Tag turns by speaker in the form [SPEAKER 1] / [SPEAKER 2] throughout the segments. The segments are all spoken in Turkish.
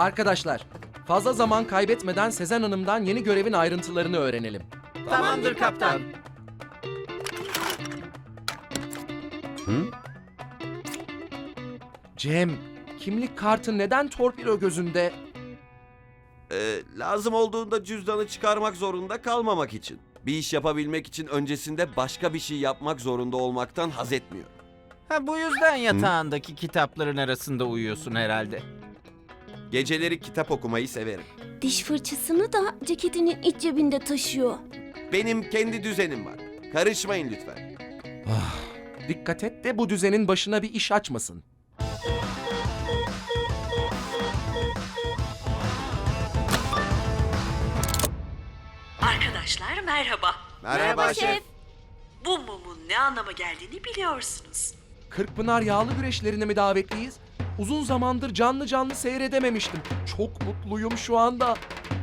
[SPEAKER 1] Arkadaşlar, fazla zaman kaybetmeden Sezen Hanım'dan yeni görevin ayrıntılarını öğrenelim.
[SPEAKER 2] Tamamdır kaptan.
[SPEAKER 1] Cem, kimlik kartı neden torpido gözünde?
[SPEAKER 3] Lazım olduğunda cüzdanı çıkarmak zorunda kalmamak için. Bir iş yapabilmek için öncesinde başka bir şey yapmak zorunda olmaktan haz etmiyor.
[SPEAKER 2] Ha, bu yüzden yatağındaki kitapların arasında uyuyorsun herhalde.
[SPEAKER 3] Geceleri kitap okumayı severim.
[SPEAKER 4] Diş fırçasını da ceketinin iç cebinde taşıyor.
[SPEAKER 3] Benim kendi düzenim var. Karışmayın lütfen.
[SPEAKER 1] Dikkat et de bu düzenin başına bir iş açmasın.
[SPEAKER 5] Arkadaşlar merhaba.
[SPEAKER 3] Merhaba şef.
[SPEAKER 5] Bu mumun ne anlama geldiğini biliyorsunuz.
[SPEAKER 1] Kırkpınar yağlı güreşlerine mi davetliyiz? Uzun zamandır canlı canlı seyredememiştim. Çok mutluyum şu anda.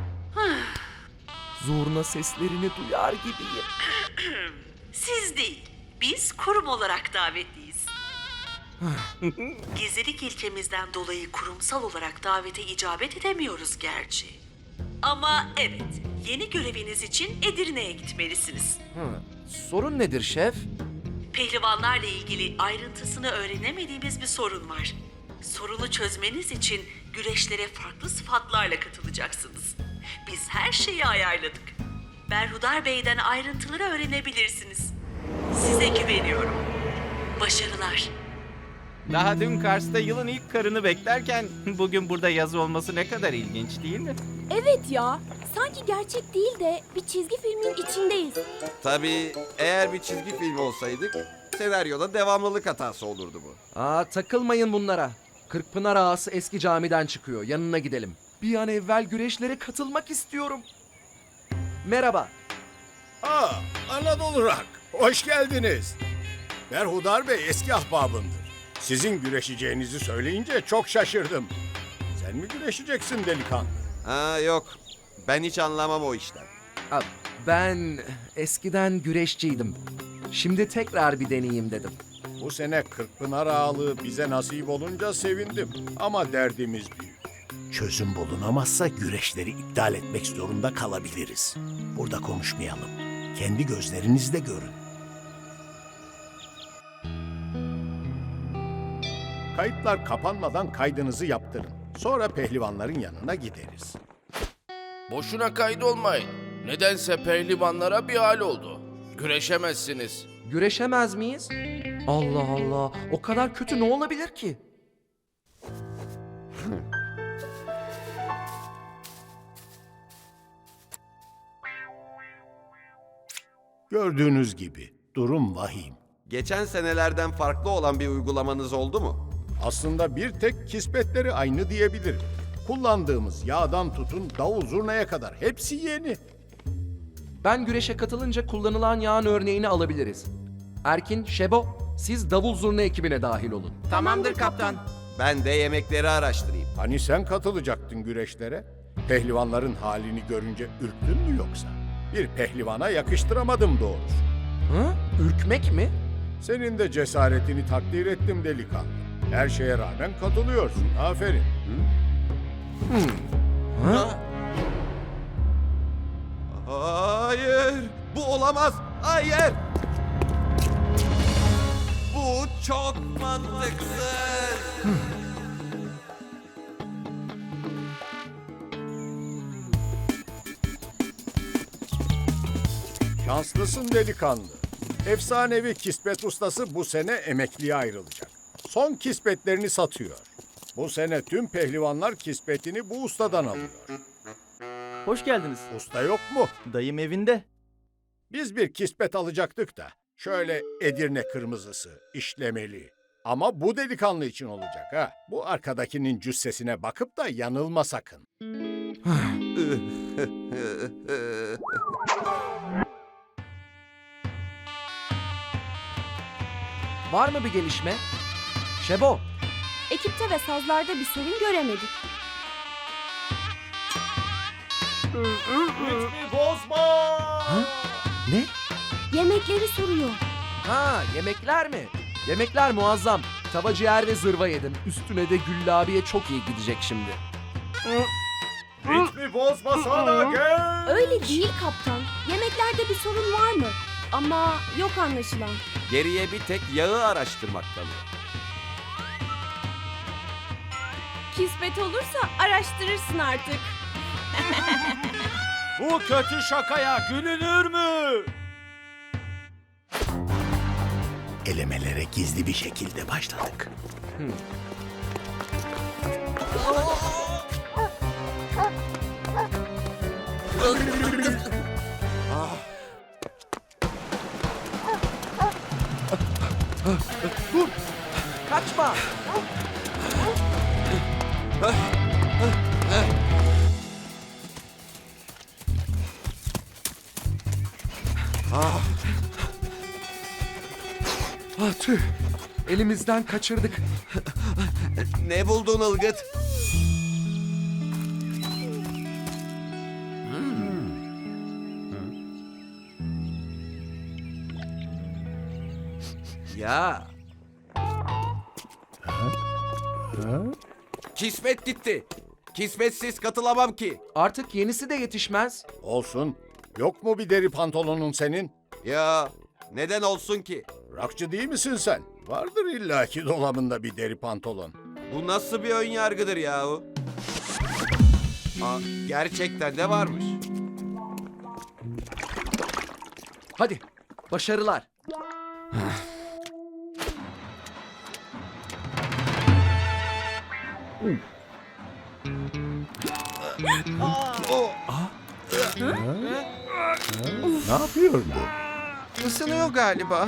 [SPEAKER 1] Zurna seslerini duyar gibiyim.
[SPEAKER 5] Siz değil, biz kurum olarak davetliyiz. Gizlilik ilkemizden dolayı kurumsal olarak davete icabet edemiyoruz gerçi. Ama evet, yeni göreviniz için Edirne'ye gitmelisiniz.
[SPEAKER 1] Sorun nedir şef?
[SPEAKER 5] Pehlivanlarla ilgili ayrıntısını öğrenemediğimiz bir sorun var. Sorunu çözmeniz için güreşlere farklı sıfatlarla katılacaksınız. Biz her şeyi ayarladık. Berhudar Bey'den ayrıntıları öğrenebilirsiniz. Size güveniyorum. Başarılar.
[SPEAKER 2] Daha dün Kars'ta yılın ilk karını beklerken bugün burada yaz olması ne kadar ilginç değil mi?
[SPEAKER 4] Evet ya, sanki gerçek değil de bir çizgi filmin içindeyiz.
[SPEAKER 3] Tabii eğer bir çizgi film olsaydık senaryoda devamlılık hatası olurdu bu.
[SPEAKER 1] Takılmayın bunlara. Kırkpınar ağası eski camiden çıkıyor. Yanına gidelim. Bir an evvel güreşlere katılmak istiyorum. Merhaba.
[SPEAKER 6] Anadolu Rock. Hoş geldiniz. Berhudar Bey eski ahbabımdır. Sizin güreşeceğinizi söyleyince çok şaşırdım. Sen mi güreşeceksin delikanlı?
[SPEAKER 3] Yok. Ben hiç anlamam o işten.
[SPEAKER 1] Ben eskiden güreşçiydim. Şimdi tekrar bir deneyeyim dedim.
[SPEAKER 6] Bu sene Kırkpınar ağalığı bize nasip olunca sevindim. Ama derdimiz büyük. Çözüm bulunamazsa güreşleri iptal etmek zorunda kalabiliriz. Burada konuşmayalım. Kendi gözlerinizle görün. Kayıtlar kapanmadan kaydınızı yaptırın. Sonra pehlivanların yanına gideriz.
[SPEAKER 7] Boşuna kaydolmayın. Nedense pehlivanlara bir hal oldu. Güreşemezsiniz.
[SPEAKER 1] Güreşemez miyiz? Allah Allah. O kadar kötü ne olabilir ki?
[SPEAKER 6] Gördüğünüz gibi durum vahim.
[SPEAKER 3] Geçen senelerden farklı olan bir uygulamanız oldu mu?
[SPEAKER 6] Aslında bir tek kismetleri aynı diyebilirim. Kullandığımız yağdan tutun davul zurnaya kadar hepsi yeni.
[SPEAKER 1] Ben güreşe katılınca kullanılan yağın örneğini alabiliriz. Erkin, Şebo, siz davul zurna ekibine dahil olun.
[SPEAKER 2] Tamamdır kaptan.
[SPEAKER 3] Ben de yemekleri araştırayım.
[SPEAKER 6] Hani sen katılacaktın güreşlere? Pehlivanların halini görünce ürktün mü yoksa? Bir pehlivana yakıştıramadım doğrusu.
[SPEAKER 1] Ürkmek mi?
[SPEAKER 6] Senin de cesaretini takdir ettim delikanlı. Her şeye rağmen katılıyorsun. Aferin.
[SPEAKER 3] Hayır! Bu olamaz! Hayır! Bu çok mantıksız!
[SPEAKER 6] Şanslısın delikanlı. Efsanevi kismet ustası bu sene emekliye ayrılacak. Son kismetlerini satıyor. Bu sene tüm pehlivanlar kismetini bu ustadan alıyor.
[SPEAKER 8] Hoş geldiniz.
[SPEAKER 6] Usta yok mu?
[SPEAKER 8] Dayım evinde.
[SPEAKER 6] Biz bir kismet alacaktık da. Şöyle Edirne kırmızısı, işlemeli. Ama bu delikanlı için olacak ha. Bu arkadakinin cüssesine bakıp da yanılma sakın.
[SPEAKER 1] Var mı bir gelişme? Şebo,
[SPEAKER 4] Ekipte ve sazlarda bir sorun göremedik.
[SPEAKER 1] ne?
[SPEAKER 4] Yemekleri soruyor.
[SPEAKER 1] Yemekler mi? Yemekler muazzam. Tava ciğer ve zırva yedim. Üstüne de Güllabi'ye çok iyi gidecek şimdi.
[SPEAKER 6] Ritmi bozmasana gel.
[SPEAKER 4] Öyle değil kaptan. Yemeklerde bir sorun var mı? Ama yok anlaşılan.
[SPEAKER 3] Geriye bir tek yağı araştırmak kalıyor.
[SPEAKER 4] Kismet olursa araştırırsın artık.
[SPEAKER 8] Bu kötü şakaya gülünür mü?
[SPEAKER 6] Elemelere gizli bir şekilde başladık.
[SPEAKER 1] Kaçma! Ah tüh! Elimizden kaçırdık.
[SPEAKER 3] Ne buldun Ilgıt? Ya. Kismet gitti. Kismetsiz katılamam ki.
[SPEAKER 1] Artık yenisi de yetişmez.
[SPEAKER 6] Olsun. Yok mu bir deri pantolonun senin?
[SPEAKER 3] Ya neden olsun ki?
[SPEAKER 6] Rockçı değil misin sen? Vardır illaki dolabında bir deri pantolon.
[SPEAKER 3] Bu nasıl bir ön yargıdır yahu? Aa, gerçekten de varmış.
[SPEAKER 1] Hadi, başarılar.
[SPEAKER 6] Ne yapıyor bu?
[SPEAKER 2] Isınıyor galiba.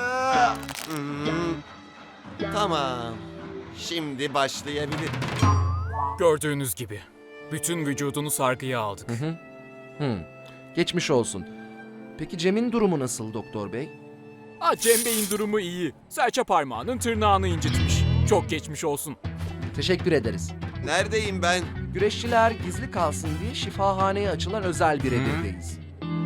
[SPEAKER 3] Tamam. Şimdi başlayabilir.
[SPEAKER 9] Gördüğünüz gibi bütün vücudunu sargıya aldık.
[SPEAKER 1] Geçmiş olsun. Peki Cem'in durumu nasıl doktor bey?
[SPEAKER 9] Cem Bey'in durumu iyi. Serçe parmağının tırnağını incitmiş. Çok geçmiş olsun.
[SPEAKER 1] Teşekkür ederiz.
[SPEAKER 3] Neredeyim ben?
[SPEAKER 1] Güreşçiler gizli kalsın diye şifahaneye açılan özel bir evirdeyiz.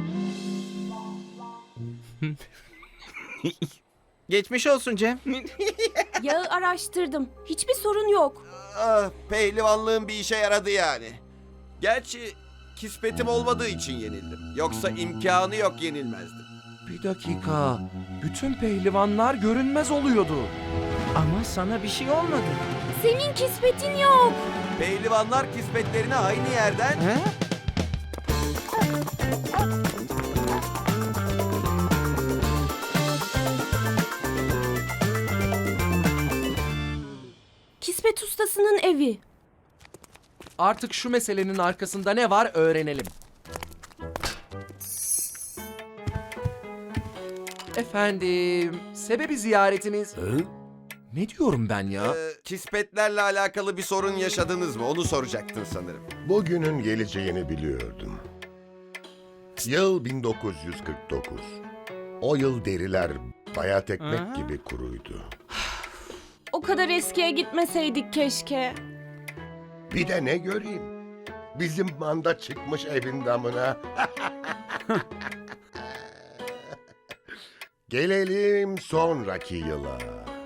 [SPEAKER 2] Geçmiş olsun Cem.
[SPEAKER 4] Yağı araştırdım. Hiçbir sorun yok.
[SPEAKER 3] Ah, pehlivanlığın bir işe yaradı yani. Gerçi kismetim olmadığı için yenildim. Yoksa imkanı yok yenilmezdim.
[SPEAKER 1] Bir dakika. Bütün pehlivanlar görünmez oluyordu.
[SPEAKER 2] Ama sana bir şey olmadı.
[SPEAKER 4] Senin kismetin yok.
[SPEAKER 3] Pehlivanlar kismetlerini aynı yerden...
[SPEAKER 2] He?
[SPEAKER 4] Kismet ustasının evi.
[SPEAKER 1] Artık şu meselenin arkasında ne var öğrenelim. Efendim, sebebi ziyaretiniz... Ne diyorum ben ya?
[SPEAKER 3] Kismetlerle alakalı bir sorun yaşadınız mı? Onu soracaktın sanırım.
[SPEAKER 10] Bugünün geleceğini biliyordum. Yıl 1949. O yıl deriler bayat ekmek gibi kuruydu.
[SPEAKER 4] O kadar eskiye gitmeseydik keşke.
[SPEAKER 10] Bir de ne göreyim? Bizim manda çıkmış evin damına. Gelelim sonraki yıla.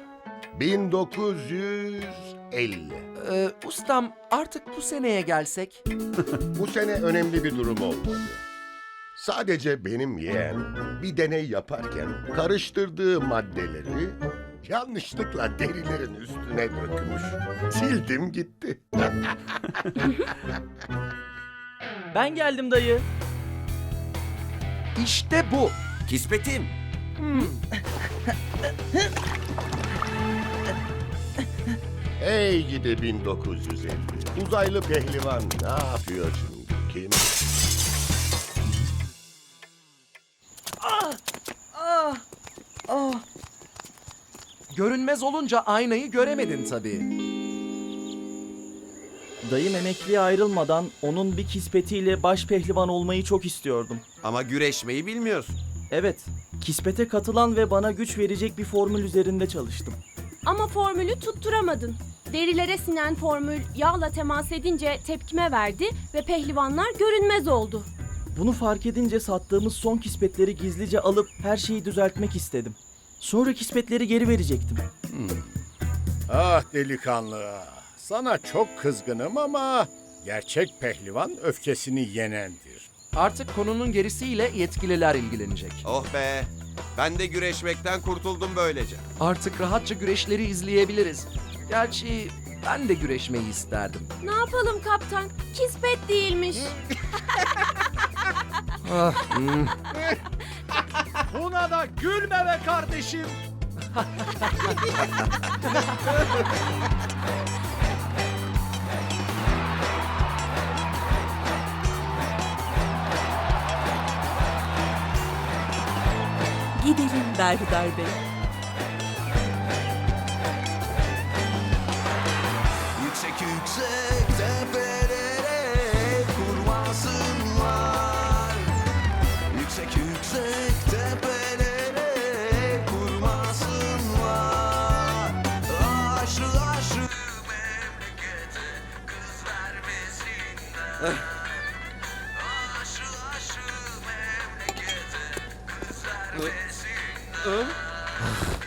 [SPEAKER 10] 1950.
[SPEAKER 1] Ustam artık bu seneye gelsek.
[SPEAKER 10] Bu sene önemli bir durum olmadı. Sadece benim yeğen bir deney yaparken karıştırdığı maddeleri yanlışlıkla derilerin üstüne dökmüş. Sildim gitti.
[SPEAKER 8] Ben geldim dayı.
[SPEAKER 1] İşte bu.
[SPEAKER 3] Kismetim.
[SPEAKER 10] Hey gidi 1950. Uzaylı pehlivan ne yapıyor şimdi? Kim?
[SPEAKER 1] Görünmez olunca aynayı göremedin tabii.
[SPEAKER 8] Dayım emekliye ayrılmadan onun bir kispetiyle baş pehlivan olmayı çok istiyordum.
[SPEAKER 3] Ama güreşmeyi bilmiyorsun.
[SPEAKER 8] Evet, kispete katılan ve bana güç verecek bir formül üzerinde çalıştım.
[SPEAKER 4] Ama formülü tutturamadın. Derilere sinen formül yağla temas edince tepkime verdi ve pehlivanlar görünmez oldu.
[SPEAKER 8] Bunu fark edince sattığımız son kispetleri gizlice alıp her şeyi düzeltmek istedim. Sonra kispetleri geri verecektim.
[SPEAKER 6] Ah delikanlı. Sana çok kızgınım ama Gerçek pehlivan öfkesini yenendir.
[SPEAKER 1] Artık konunun gerisiyle yetkililer ilgilenecek.
[SPEAKER 3] Oh be. Ben de güreşmekten kurtuldum böylece.
[SPEAKER 1] Artık rahatça güreşleri izleyebiliriz. Gerçi ben de güreşmeyi isterdim.
[SPEAKER 4] Ne yapalım kaptan? Kispet değilmiş.
[SPEAKER 1] Buna da gülme be kardeşim.
[SPEAKER 5] Gidelim Berhudar Bey.
[SPEAKER 11] Yüksek yüksek tepelere kurmasınlar. Yüksek yüksek tepelere kurmasınlar. Aşrı aşrı memlekete kız vermesinler. Aşrı aşrı memlekete kız vermesinler.